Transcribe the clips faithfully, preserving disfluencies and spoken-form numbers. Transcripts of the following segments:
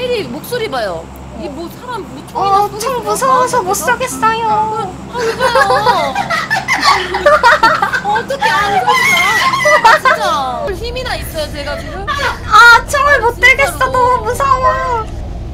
혜리 목소리 봐요. 이 뭐 사람 뭐 총이나 어, 쏘겠어. 총 무서워서 못 쏘겠어요. 아, 이거요. 어떻게 안 쏘죠? 진짜 힘이나 있어요, 제가 지금. 아, 총을 못 들겠어. 너무 무서워.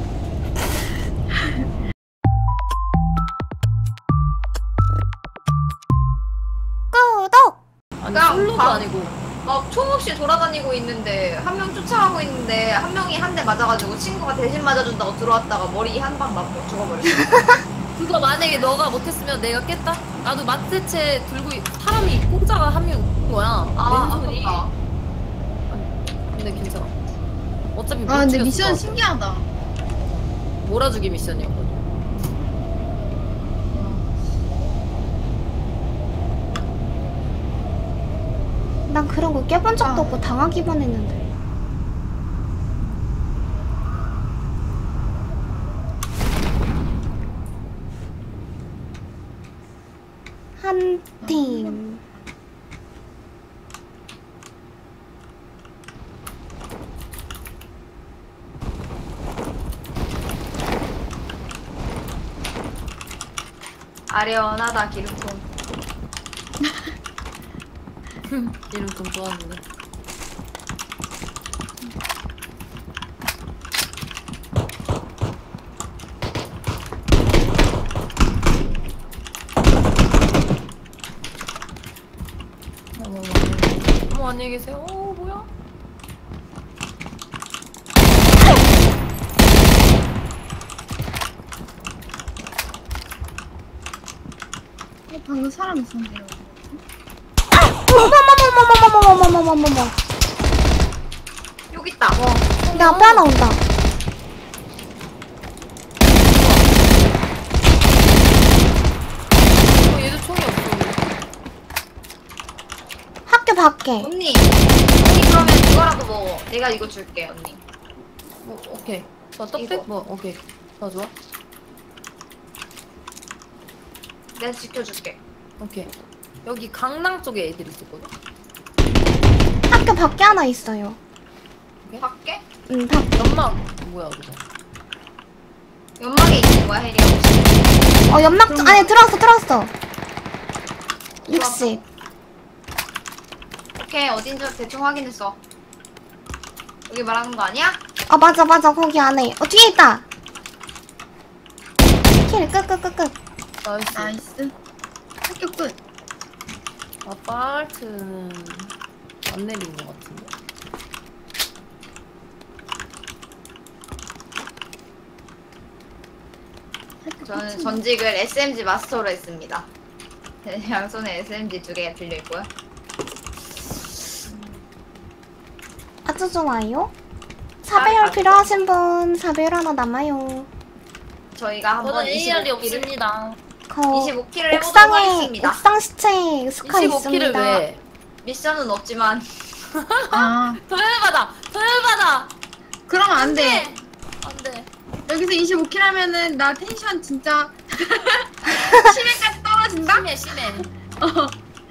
구독! 아니, 그냥 솔로도 방- 아니고. 막 총 없이 돌아다니고 있는데 한 명 쫓아가고 있는데 한 명이 한 대 맞아가지고 친구가 대신 맞아준다고 들어왔다가 머리 한 방 맞고 죽어버렸어. 그거 만약에 너가 못했으면 내가 깼다? 나도 마트채 들고 있- 사람이 공짜가 한 명 있는 거야. 아, 왼손이. 아깝다. 근데 괜찮아. 어차피 못 아 근데 죽였을 미션 것 같아. 신기하다. 몰아주기 미션이었거든. 난 그런 거 깨본 적도 아. 없고 당하기만 했는데. 한 팀. 아련하다 기름통. 이름 좀 좋았는데. 어머, 어머, 안녕히 계세요. 어, 뭐야? 어, 방금 사람 있었는데요. 어머머머머머머머머머머머머. 여기 있다. 내 앞에 하나 온다. 어, 얘도 총이 없어. 학교 밖에. 언니. 언니 그러면 이거라도 먹어. 내가 이거 줄게 언니. 뭐, 오케이. 저 떡배? 이거. 뭐, 오케이. 더 좋아? 내가 지켜줄게. 오케이. 여기 강남 쪽에 애들 있었거든? 학교 밖에 하나 있어요. 밖에? 응, 밖. 연막, 뭐야, 그거. 연막에 있는 거야 혜리야 혹시? 어, 연막 쪽 안에 들어왔어, 들어왔어. 육십. 오케이 어딘지 대충 확인했어. 여기 말하는 거 아니야? 아, 맞아, 맞아. 거기 안에. 어, 뒤에 있다. 킬, 끝, 끝, 끝, 끝. 나이스. 나이스. 학교 끝. 아파트는 안 내린 것 같은데. 학교 저는 끝이네. 전직을 에스엠지 마스터로 했습니다. 양손에 에스엠지 두 개가 빌려 있고요. 아주 좋아요. 사배열 아, 필요하신 분, 사배열 하나 남아요. 저희가 한번 저는 에이알이 이십오 킬을 없습니다. 거 이십오 킬을 해보도록 옥상에, 하겠습니다. 옥상 시체 스카 이십오 킬을 있습니다. 왜? 미션은 없지만 아 도열받아! 도열받아! 그러면 안 돼. 안 돼. 여기서 이십오 킬 하면은 나 텐션 진짜 심해까지 떨어진다. 심해, 심해. 어.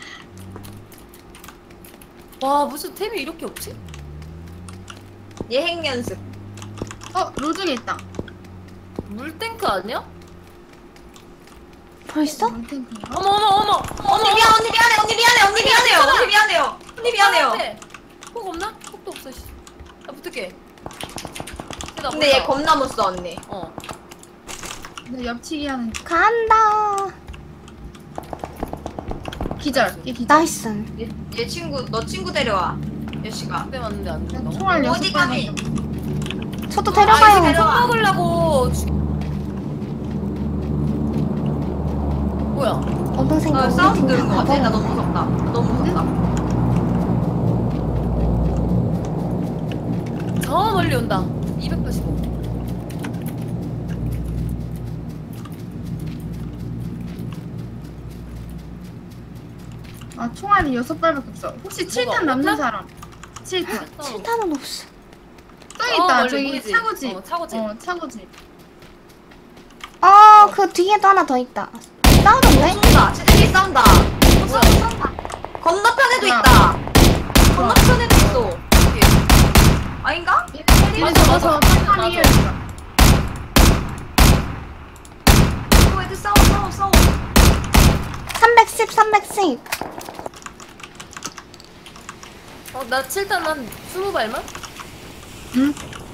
와, 무슨 템이 이렇게 없지? 예행 연습. 어 로중에 있다. 물탱크 아니야? 벌써? 물탱크인가? 어머, 어머, 어머! 언니 미안 언니 미안해 언니 미안해 언니 미안해요 언니 미안해요 언니 미안해요. 폭 없나? 폭도 없어, 씨. 나 붙을게. 나 근데 얘 몰라. 겁나 못 써 언니. 어. 나 옆치기 하는 간다. 기절. 얘 기절. 나이스. 얘, 얘 친구 너 친구 데려와. 여씨가. 그때 맞는데 안 나 된다고? 총알 여섯 어디 발 가니? 맞았어. 저도 아, 데려가요. 이제 데려와. 먹으려고. 주- 뭐야? 어동생 어, 너무 사운드 들은 거 같아. 나 다 너무 무섭다. 너무 무섭다. 저 멀리 온다. 이백팔십오. 아 총알이 여섯 발밖에 없어. 혹시 칠 탄 남는 없나? 사람? 칠 탄. 칠탄은 없어. 저기 어, 있다. 멀리 저기 보이지? 차고집. 어, 차고집. 어 차고집. 어, 그 뒤에도 하나 더 있다. 싸우던데? 쏜다. 쟤네들이 싸운다. 싸운다. 싸운다. 건너편에도 뭐야? 있다. 건너편에도 있어. 오케이. 아닌가? 얘네 맞아, 잡아서 맞아. 탄탄히 맞아. 해야겠다. 싸워. 삼백십 삼백십. 어, 나 칠단 한 스무 발만? 응?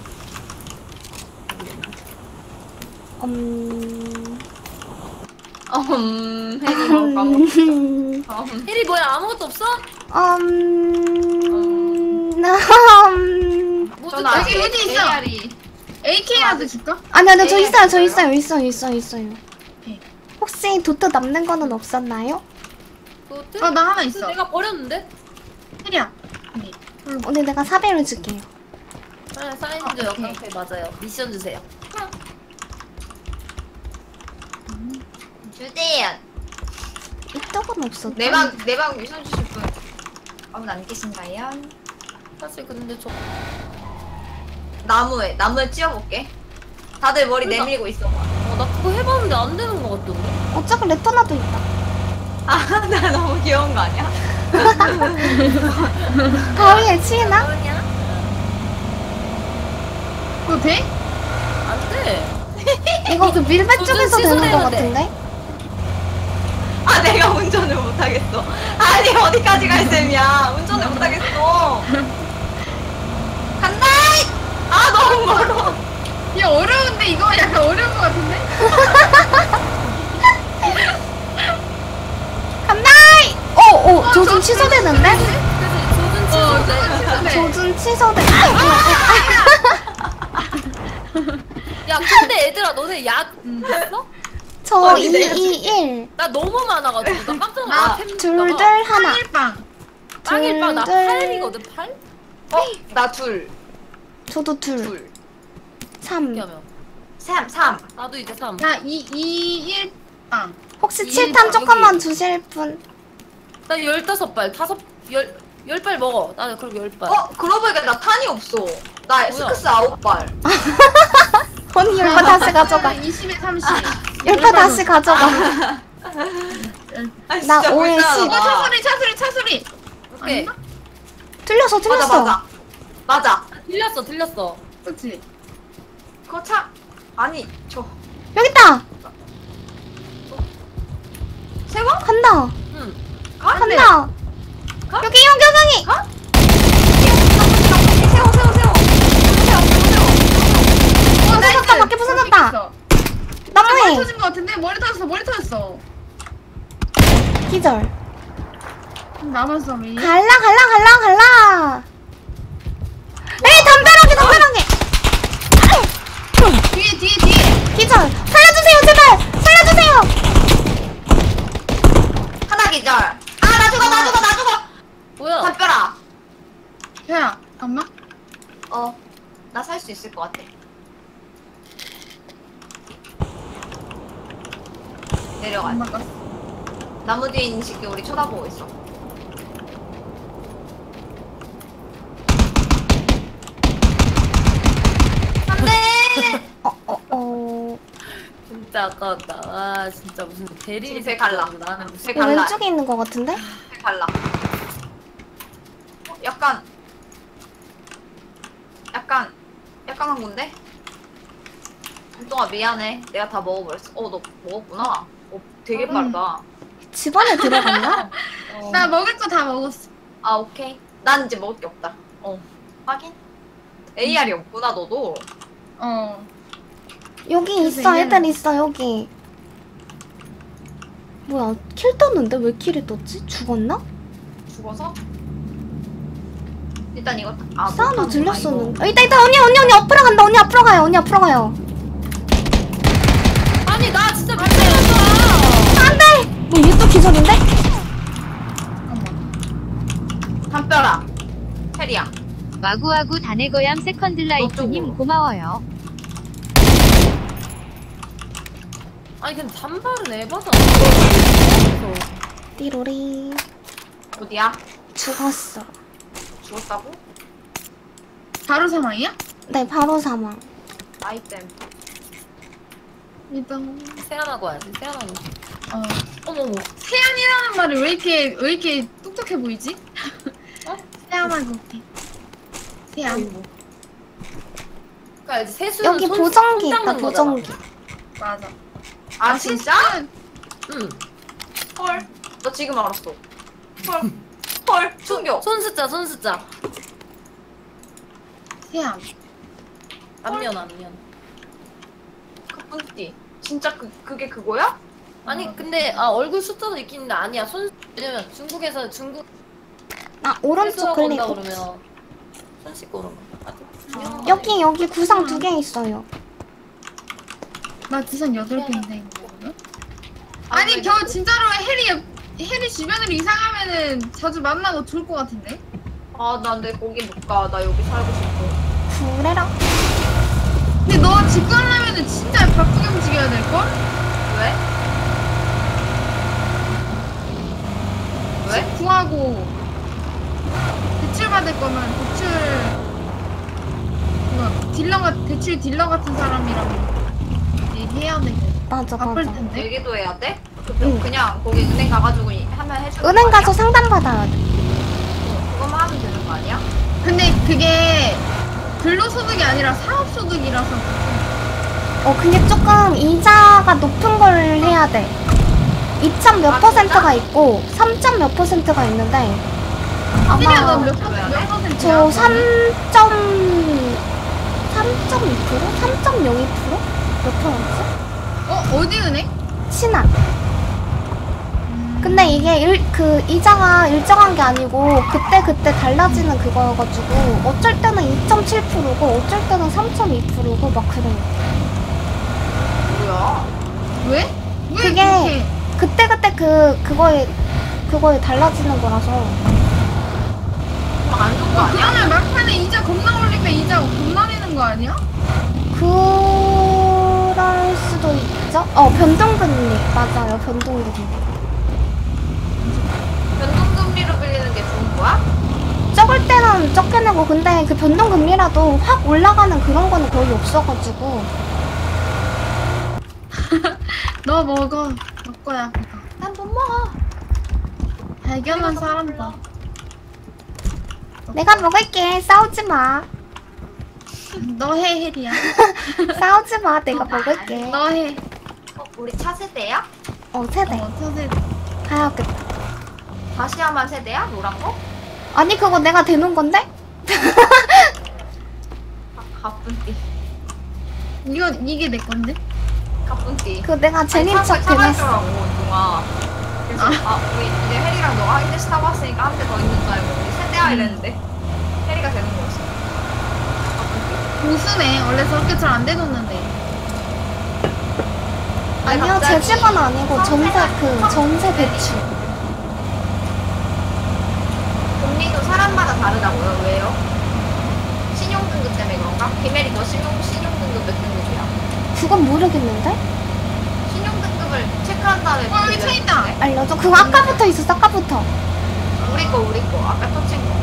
음... 음, 혜리 먹을까? 음... 음. 혜리 뭐야 아무것도 없어? 음... 뭐 저는 좀- 아직 여기 있어. 에이알이 에이케이라도 줄까? 아니 아니 저 에이, 있어요 저 있어요? 있어요 있어요 있어요 있어요. 오케이. 혹시 도트 남는 거는 없었나요? 도트? 어, 나 하나 도트 있어. 내가 버렸는데? 혜리야. 여기. 오늘 내가 사배를 줄게요. 네, 사이즈 아, 오케이. 역강패 맞아요. 미션 주세요. 주대연. 이쪽은 없었다. 내방 내방 미션 주실 분 아무도 안 계신가요? 사실 근데 저 나무에 나무에 찧어볼게. 다들 머리 그러니까. 내밀고 있어. 어, 나 그거 해봤는데 안 되는 것 같던데? 어차피 레터나도 있다. 아, 나 너무 귀여운 거 아니야? 바위에 치이나? 뭐냐? 그거 돼? 안 돼. 이거 그 밀배 도전 쪽에서 되는 거 취소해야 돼. 같은데? 아, 내가 운전을 못하겠어. 아니, 어디까지 갈 셈이야. 운전을 못하겠어. 간다! 아, 너무 멀어. 야, 어려운데 이거 약간 어려운 거 같은데? 간다! 어, 어, 조준 취소되는데? 그래서 조준 어, 취소인데. 네. 조준 취소돼. 아, 야, 근데 얘들아, 너네 약 있어? 저 어, 이, 이제 이, 일. 나 너무 많아가지고 나 깜짝 아, 놀랐어. 템 둘둘 있다가. 하나. 빵일빵. 빵일빵 나 둘, 둘. 팔이거든, 팔? 어, 나 둘, 저도 둘. 둘. 삼. 이렇게 하면. 삼, 삼. 나도 이제 삼. 나 이, 이, 일 빵. 혹시 이, 칠탄 여기. 조금만 주실 분? 나 열다섯 발, 다섯, 열, 열 발 먹어. 나는 그럼 열 발. 어, 그러고 보니까 나 탄이 없어. 나 스크스 아홉 발. 언니 열바 다시 가져가. 이십에 삼십. 열바 다시 가져가. 아, 나 진짜 오에 불쌍하다. 십. 어, 차소리, 차소리, 차소리. 오케이. 틀렸어, 맞아, 틀렸어. 맞아. 맞아. 들렸어, 들렸어. 그치? 그거 차, 아니, 저, 여기 있다. 세워? 간다. 응. 가? 간다. 가? 여기 용경강이. 가? 세워, 세워, 세워. 세워, 세워, 세워. 어, 부서졌다. 밖에 부서졌다. 머리 나무에. 터진 거 같은데? 머리 터졌어, 머리 터졌어. 기절. 남았어, 미. 갈라, 갈라, 갈라, 갈라. 에이, 담벼락에, 담벼락에. 뒤에, 뒤에, 뒤에. 기절. 살려주세요, 제발. 살려주세요. 하나 기절. 아, 나 죽어, 나 죽어, 나 죽어. 뭐야? 담벼라. 야, 잠깐만. 어, 나 살 수 있을 것 같아. 내려가. 안 바꿨어. 나무 뒤에 있는 새끼 우리 쳐다보고 있어. 안돼. 어, 어, 어. 진짜 아까웠다. 아, 진짜 무슨 대리니 집에 갈라. 나는 무슨 집에 이거 갈라. 왼쪽에 있는 거 같은데? 갈라. 어, 약간, 약간, 약간 한 건데? 동아 미안해. 내가 다 먹어버렸어. 어, 너 먹었구나. 어, 되게 음. 빠르다. 집 안에 들어갔나? 어. 나 먹을 거 다 먹었어. 아, 오케이. 난 이제 먹을 게 없다. 어, 확인. 에이알이 없구나, 너도. 어. 여기 그래서 있어, 얘는- 애들 있어, 여기. 뭐야, 킬 떴는데? 왜 킬이 떴지? 죽었나? 죽어서? 일단 이거 아 사운드 못하는구나, 들렸었는데. 어, 있다, 있다, 언니, 언니, 언니, 앞으로 간다. 언니 앞으로 가요, 언니 앞으로 가요. 아니, 나 진짜 미쳤어. 안 돼! 뭐, 얘 또 기절인데? 잠깐만. 이거. 담벼라 해리야. 와구와구 다네거얌 세컨드라이프님 너쪽으로. 고마워요. 아니, 근데 단발은 에바다. 띠로리. 어디야? 죽었어. 죽었다고? 바로 사망이야? 네, 바로 사망. 아이템. 일단. 세안하고 와야지, 세안하고. 어. 어머머. 세안이라는 말이 왜 이렇게, 왜 이렇게 똑똑해 보이지? 어? 세안하고 올게. 세안. 그니까 이제 세수는 여기 손- 보정기 손 있다, 닦는 거잖아. 보정기. 맞아. 아 진짜? 세수는 응. 헐. 나 지금 알았어. 헐. 헐. 충격. 손 숫자 손 숫자. 태양. 안면 안면. 가뿐띠. 진짜 그 그게 그거야? 아니 근데 아 얼굴 숫자도 있긴 있는데 아니야. 손 왜냐면 중국에서 중국 아 오른쪽 회수하고 온다 클릭. 그러면 손 씻고 오는 거. 아주 중요한 여기 여기 구상 두 개 있어요. 나 지선 여덟 개인데 이거. 아니 저 진짜로 해리 해리 주변으로 이사가면은 자주 만나고 좋을 것 같은데. 아, 나 근데 거기 못 가. 나 여기 살고 싶어. 그래라. 근데 너 집 가려면은 진짜 바쁘게 움직여야 될 걸? 왜? 왜? 집 구하고 대출 받을 거면 대출 뭐 딜러 같 대출 딜러 같은 사람이랑 얘기해야 되고 맞아 바쁠 맞아. 텐데. 얘기도 해야 돼? 그, 응. 그냥 거기 은행 가가지고 이- 하면 해주는 은행 거 가서 아니야? 상담 받아야 돼. 그거만 하면 되는 거 아니야? 근데 그게 근로소득이 아니라 사업소득이라서 어 근데 조금 이자가 높은 걸 해야 돼. 이 점 몇 아, 퍼센트가 있고 삼 점 몇 퍼센트가 있는데 혜리야 아마 너몇 그래야 몇 돼? 퍼센트야? 저 삼 점 삼 점 이 퍼센트? 삼 점 영이 퍼센트? 몇 퍼센트? 어 어디 은행? 신한. 근데 이게 일, 그 이자가 일정한 게 아니고 그때 그때 달라지는 그거여가지고 어쩔 때는 이 점 칠 퍼센트고 어쩔 때는 삼 점 이 퍼센트고 막 그래요. 뭐야? 왜? 왜 그게 그렇게? 그때 그때 그 그거에 그거에 달라지는 거라서. 그럼 안 좋은 거 어, 아니야? 그러면 막판에 이자 겁나 올리면 이자 겁나 내는 거 아니야? 그럴 수도 있죠? 어 변동금리 맞아요 변동금리. 변동금리로 빌리는 게 좋은 거야? 적을 때는 적게 내고 근데 그 변동금리라도 확 올라가는 그런 거는 거의 없어가지고. 너 먹어. 먹거야. 난 못 먹어. 발견한 사람다. 내가 먹을게. 싸우지 마. 너 해, 혜리야. 싸우지 마. 내가 먹을게. 너 해. 어, 우리 차 세대야? 어 세대. 어, 서세. 가야겠다. 다시야만 세대야? 노란 거? 아니 그거 내가 대놓은 건데? 가, 가뿐띠. 이거 이게 내 건데? 가뿐띠. 그거 내가 제닌 척 차가 대놨어. 있더라고, 동아. 그래서, 아, 우리 이제 혜리랑 너가 한 대씩 타고 왔으니까 한 대 더 있는 줄 알고 우리 세대야 이랬는데 혜리가 되는 거였어. 가뿐띠. 고수네. 원래 저렇게 잘 안 대놓는데. 아니요 갑자기 제 집은 아니고 전세 성세가- 그 성- 전세 대출. 금리도 사람마다 다르다고요? 왜요? 신용등급 때문에 그런가? 김혜리 너 신용, 신용등급 몇 등급이야? 그건 모르겠는데? 신용등급을 체크한 다음에 어, 여기 차 있다. 빌려주는데? 알려줘. 그거 아까부터 있었어. 아까부터. 우리 거 우리 거 아까 터친 거.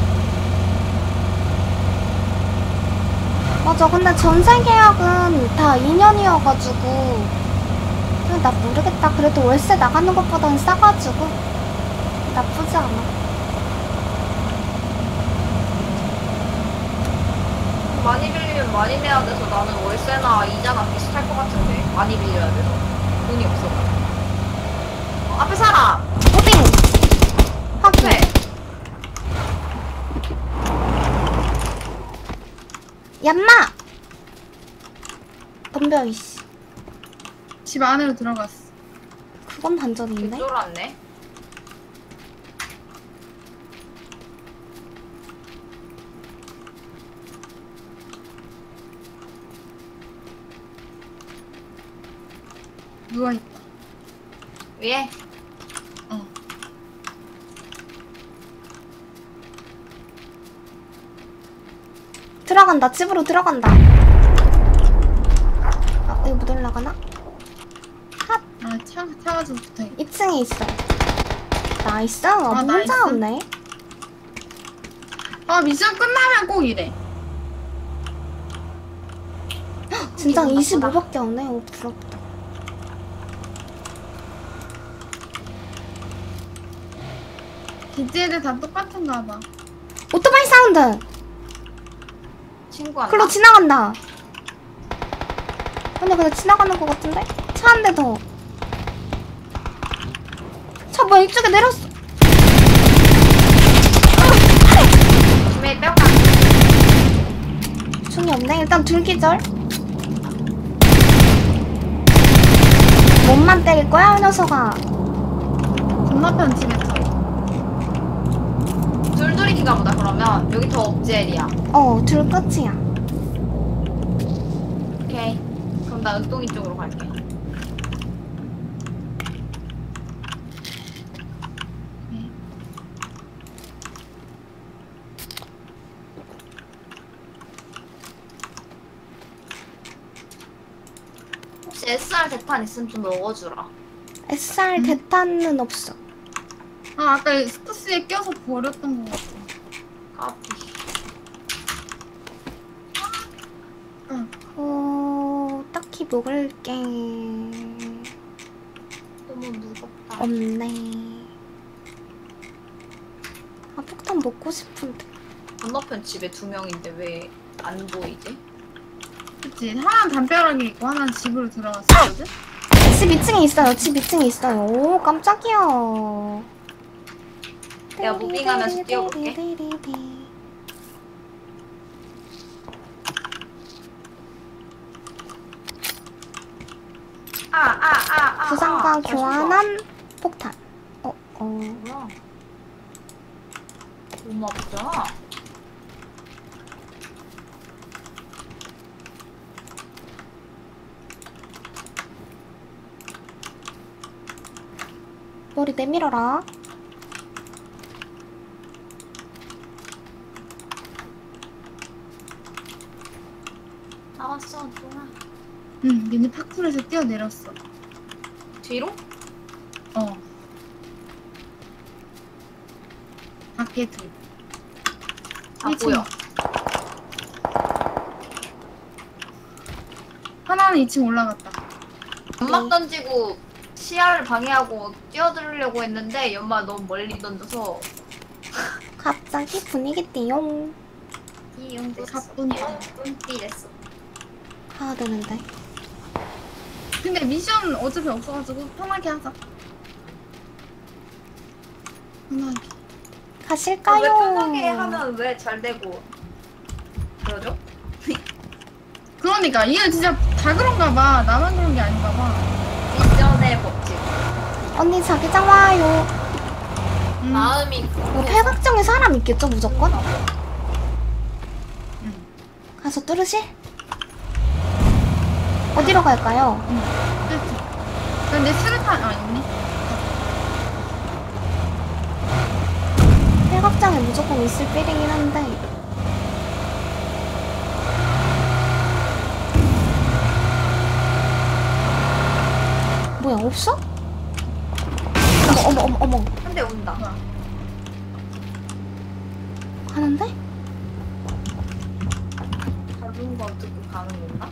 맞아. 근데 전세 계약은 다 이 년이어가지고 나 모르겠다. 그래도 월세 나가는 것보다는 싸가지고 나쁘지 않아. 많이 빌리면 많이 내야 돼서 나는 월세나 이자나 비슷할 것 같은데 많이 빌려야 돼서 돈이 없어. 어, 앞에 사람. 어디? 확인. 앞에. 얌마! 덤벼 이씨. 집 안으로 들어갔어. 그건 반전인데? 개쫄았네. 누워있다. 위에. 어. 들어간다. 집으로 들어간다. 아, 이거 못 올라가나? 아, 차, 차가 좀 붙어. 이 층에 있어. 나이스. 아, 아, 문자 나이스. 없네. 아, 미션 끝나면 꼭 이래. 진짜 기분 이십오밖에 안 해. 오, 부럽다. 기지 애들 다 똑같은가 봐. 오토바이 사운드! 친구한테. 글로 지나간다. 근데 그냥 지나가는 것 같은데? 차 한 대 더. 아 뭐야 이쪽에 내렸어. 조심해 빼앗가. 중이 없네. 일단 둘 기절. 몸만 때릴 거야, 이 녀석아. 건너편 집에서. 둘둘이인가 보다. 그러면 여기 더 업젤이야. 어, 둘 끝이야. 오케이. 그럼 나 은동이 쪽으로 갈게. 혹시 에스알 대탄 있으면 좀 넣어주라. 에스알 대탄은 없어. 아 아까 스쿠스에 껴서 버렸던 것 같아. 까비. 어, 딱히 먹을 게 너무 무겁다. 없네. 아, 폭탄 먹고 싶은데. 건너편 집에 두 명인데 왜 안 보이지? 그치. 하나는 담벼락에 있고 하나는 집으로 들어갔었거든? 집 이 층에 있어요. 집 이 층에 있어요. 오, 깜짝이야. 내가 무빙하면서 뛰어볼게. 아, 아, 아, 아. 부상과 아, 교환한 폭탄. 어, 어. 뭐야? 너무 아프잖아. 머리 내밀어라. 나왔어, 동아. 응, 얘네 파쿠르에서 뛰어내렸어. 뒤로? 어. 밖에 둘. 아, 일 층. 보여. 하나는 이 층 올라갔다. 연막 던지고 시야를 방해하고 뛰어들려고 했는데 연막 너무 멀리 던져서 갑자기 분위기 띠용. 이용됐어. 가뿐이야. 뿜삐 됐어. 가야 되는데. 근데 미션 어차피 없어가지고 편하게 하자. 편하게. 가실까요? 왜 편하게 하면 왜 잘 되고 그러죠? 그러니까 이건 진짜 다 그런가 봐. 나만 그런 게 아닌가 봐. 미션의 법칙. 언니 자기장 와요. 음. 마음이 뭐 팔각정에 사람 있겠죠 무조건? 응. 가서 뚫으실? 어디로 갈까요? 그렇지. 근데 수류탄 아 있네. 팔각정에 무조건 있을 필이긴 한데. 뭐야 없어? 어머 어머 어머 어머 한 대 온다. 뭐야? 가는데? 다른 거 듣고 가는 건가?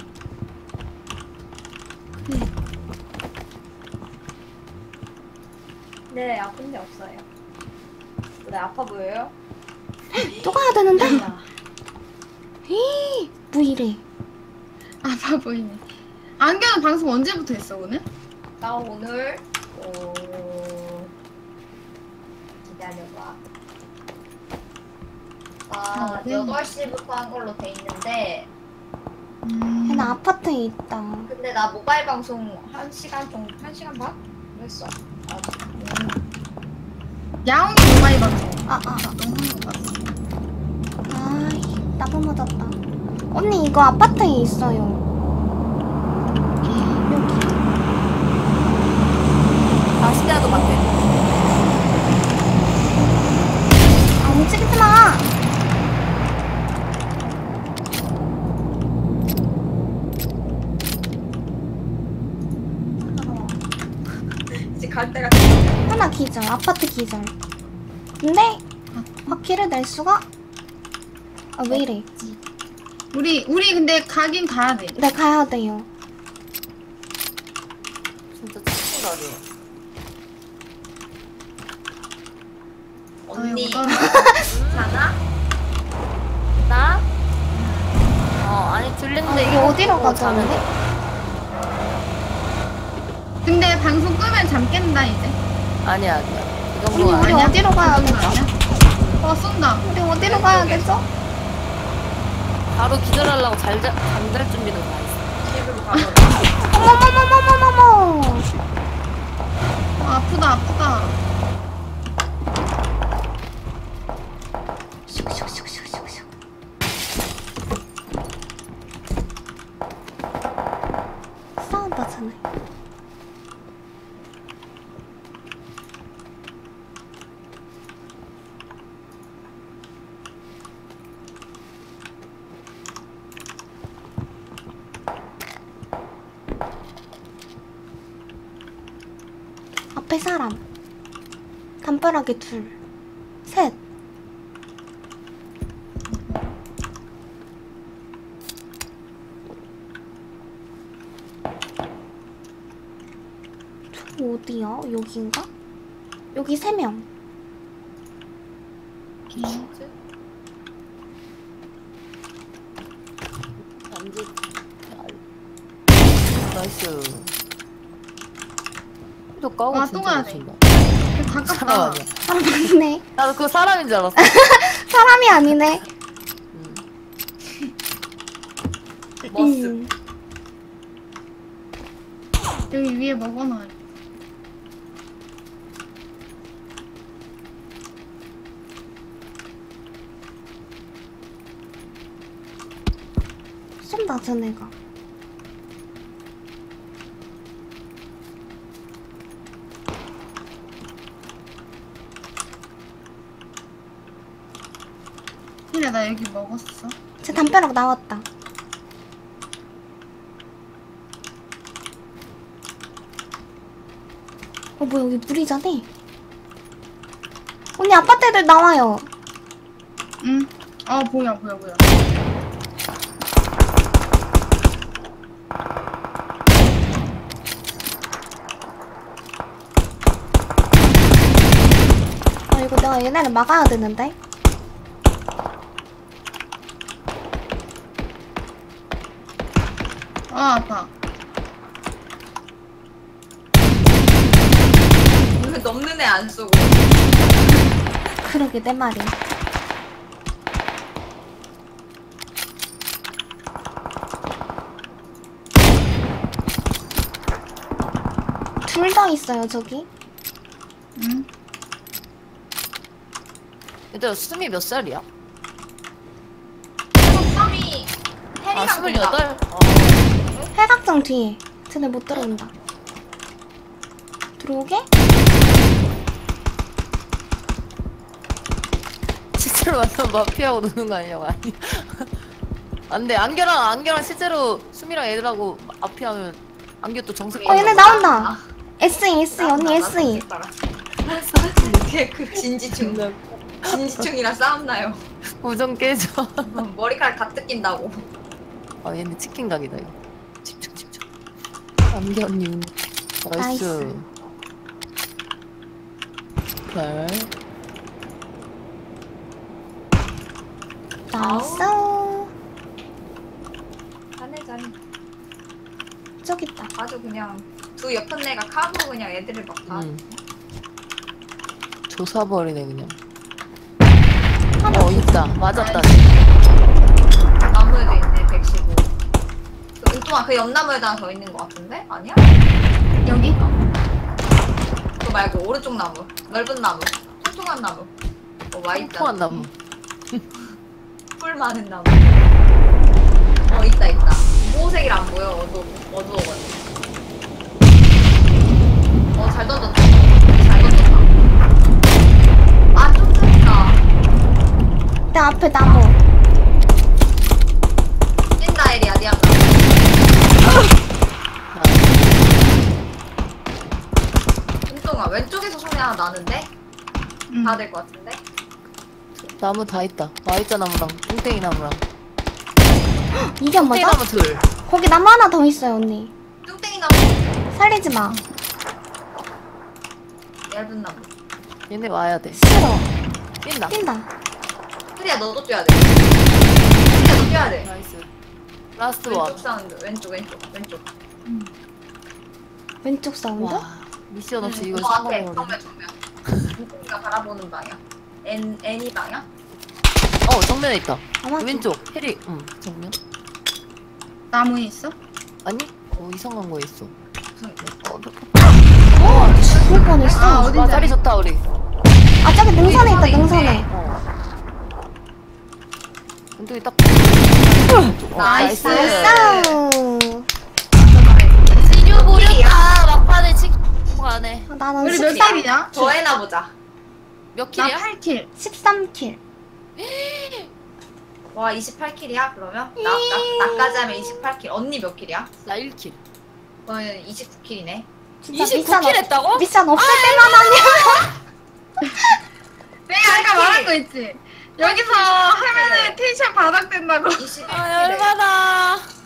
네, 아픈 데 없어요. 네, 아파 보여요? 또 가야 되는데? 자, 히, 뭐 이래? 아파 보이네. 안경은 방송 언제부터 했어 오늘? 나 오늘 어... 기다려봐. 아, 아, 네. 여덟 시부터 한 걸로 돼 있는데 음. 얘는 아파트에 있다. 근데 나 모바일 방송 한 시간 정도, 한 시간 반? 했어. 아, 음. 야옹이 모바일 방송. 아, 아, 너무 한거 봤어. 아이, 나도 맞았다. 언니 이거 아파트에 있어요. 여기. 아, 시대도 같아. 아, 움직이지 마. 이제 갈 때가 하나 기절, 아파트 기절. 근데 바퀴를 낼 수가? 아, 왜 이래? 우리 우리 근데 가긴 가야 돼. 네, 가야 돼요. 진짜 치친다리. 언니 아유, 자나? 나? 어, 아니, 들리는데 아, 이게 어디로 뭐 가자, 자는데? 근데? 근데 방송 끄면 잠 깬다 이제. 아니야 아니야. 이 우리 정도는 우리 아니야. 어디로 가야 그런 거 되죠? 아니야? 어 쏜다. 우리 어디로 가야 되죠? 바로 기절하려고 잘자 잠잘 준비도 다 있어. 집으로 가버려. 어머머머머머머머. 어, 아프다 아프다. 슉슉슉슉슉슉. 싸운다 쟤네. 앞에 사람. 담벼락에 둘. 셋. 저 어디야? 여기인가? 여기 세 명. 남지. 나이스. 또 까고 와, 진짜 또 가야 못 돼. 친다. 가깝다. 사람 아니야. 사람 아니네. 나도 그거 사람인 줄 알았어. 사람이 아니네. 음. 머스. 음. 여기 위에 먹어놔. 쏜다 쟤네가. 그래 나 여기 먹었어. 제 담벼락 나왔다. 어 뭐야 여기 물이잖아. 언니 아파트 애들 나와요. 응. 아 보여 보여 보여. 아 이거 내가 얘네를 막아야 되는데. 아 아파. 왜 넘는 애 안 쏘고. 그러게 내 말이. 둘 더 있어요 저기. 응. 얘들아 수미 몇 살이야? 썸이 아 해리랑 스물여덟? 어. 팔각정 뒤에. 쟤네 못 들어온다. 들어오게? 실제로 만나면 마피아하고 노는 거 아니냐고. 아니. 안돼 안겨랑 안겨랑 실제로 수미랑 애들하고 마피아하면 안겨 또 정색. 어 얘네 나온다. 에스이 에스이 언니 에스이. 이게 그 진지충. 진지충이랑 싸움나요. 우정 깨져. 머리카락 다 뜯긴다고. 아 얘네 치킨 각이다 이거. 집중 집중. 안겨님. 나이스. 나이스. 별. 나이스. 잘해 잘해. 저기 있다. 아주 그냥 두 옆은 애가 카고 그냥 애들을 막 다. 응. 조사버리네 그냥. 하나 어 있다. 맞았다. 나무에도 있네 백십오. 그 은동아 그 옆나무에다 하나 더 있는 것 같은데? 아니야? 여기? 그거 말고 오른쪽 나무. 넓은 나무. 통통한 나무. 어 와있다. 통통한 나무. 뿔 많은 나무. 어 있다 있다. 보호색이라 안 보여. 어두 어두워가지고. 어 잘 던졌다. 잘 던졌다. 아좀 뜬다. 내 앞에 나무. 뛴다 에리야 니안 은동아 왼쪽에서 소리 하나 나는데? 응. 가야 될 것 같은데? 나무 다 있다. Y자 나무랑 뚱땡이 나무랑. 이게 안 뚱땡이 맞아? 나무 둘. 거기 나무 하나 더 있어요 언니. 뚱땡이 나무 살리지 마. 얇은 나무. 얘네 와야 돼. 싫어. 뛴다. 뛴다. 혜리야 너도 뛰어야 돼. 혜리야 너 뛰어야 돼. 나이스. 라스트 원. 왼쪽 사운드 왼쪽 왼쪽 왼쪽. 왼쪽 사운드? 와. 미션 없이 응, 이걸 너 앞에 성공을 정면 정면. 누군가 바라보는 방향. N N이 방향? 어 정면에 있다. 아마 왼쪽 해리. 응 정면. 나무에 있어? 아니? 어 이상한 거 있어. 무슨 어, 어, 죽을 뻔했어. 아, 아, 어디- 와 자리 좋다 우리. 저기 능선에 있다, 능선에 능선에. 있네. 어. 근데 딱. 어, 나이스. 나이스. 지류 보렸다 막판에 치. 가네. 나는 우리 몇 십삼, 킬이냐? 더 해나 보자. 몇 나 킬이야? 팔 킬. 십삼 킬. 와 이십팔 킬이야 그러면? 나, 나 나까지 하면 이십팔 킬. 언니 몇 킬이야? 나 일 킬. 너는 이십구 킬이네. 진짜 이십구 미션, 킬 없- 했다고? 미션 없을 때만 하냐? 내가 아까 말한 거 있지? 여기서 하면은 텐션 바닥된다고. 이십일 킬에. 아 열받아.